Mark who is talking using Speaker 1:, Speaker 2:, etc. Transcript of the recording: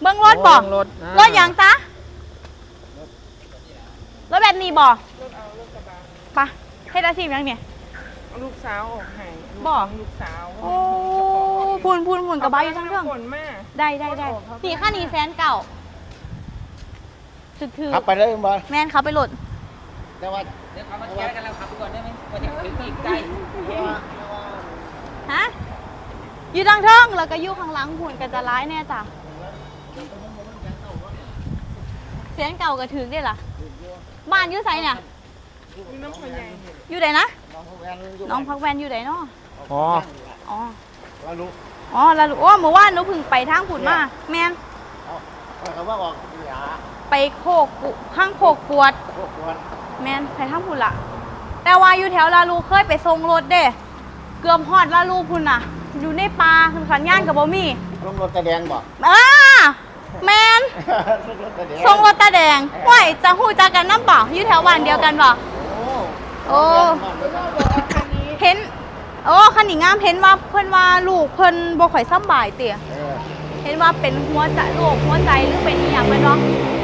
Speaker 1: เบิ้งรถบ่รถยังจ๊ะรถแบบนี้บ่ปะให้อาชีพยังเนี่ย
Speaker 2: ลูกสาวออกให้
Speaker 1: บ่
Speaker 2: ลูกสาว
Speaker 1: โอ้พูนกระบะอยู่ทั้งเรื่องได้นี่ค่านี้100,000ถือ
Speaker 3: ขับไปเลยบอล
Speaker 1: แม่นเขาไปโหลด
Speaker 3: แต่ว่า
Speaker 4: เดี๋ยวเขามาแก้กันแล้วขับไปก่อนได้ไหมว่าจะถึงอีกไกล
Speaker 1: ฮะอยู่ทางเทิงแล้วก็อยู่ข้างหลังพูนก็จะร้ายแน่จ้ะเสียงเก่าก็ถึงได้ล่ะบ้านอยู่ไสเนี่ยอยู่ไหนนะน้องพักแวนอยู่ไหนเนาะ
Speaker 3: อ๋อ
Speaker 1: แล้วลูกแล้วลูกโอ้เมื่อวานหนูเพิ่งไปทางผุดมาแมน
Speaker 3: เขาว่าออกหยา
Speaker 1: ไปข้างโคกปวดแมนไปทางผุดละแต่ว่าอยู่แถวลาลูเคยไปส่งรถเด้เกือบฮอดลาลูพุ่นน่ะอยู่ในป่าขึ้นขันย่านกับบ่มี
Speaker 3: ลงรถตาแดงบ่
Speaker 1: แมนส่งรถตาแดงห้วยจะหู้จักกันน้ำบ่อยู่แถวบ้านเดียวกันบ่โอ้เห็นคันนี้งามเห็นว่าเพิ่นว่าลูกเพิ่นบ่ค่อยสบายเตี่ยเห็นว่าเป็นหัวใจโรคหัวใจหรือเป็นอีหยังแม่นบ่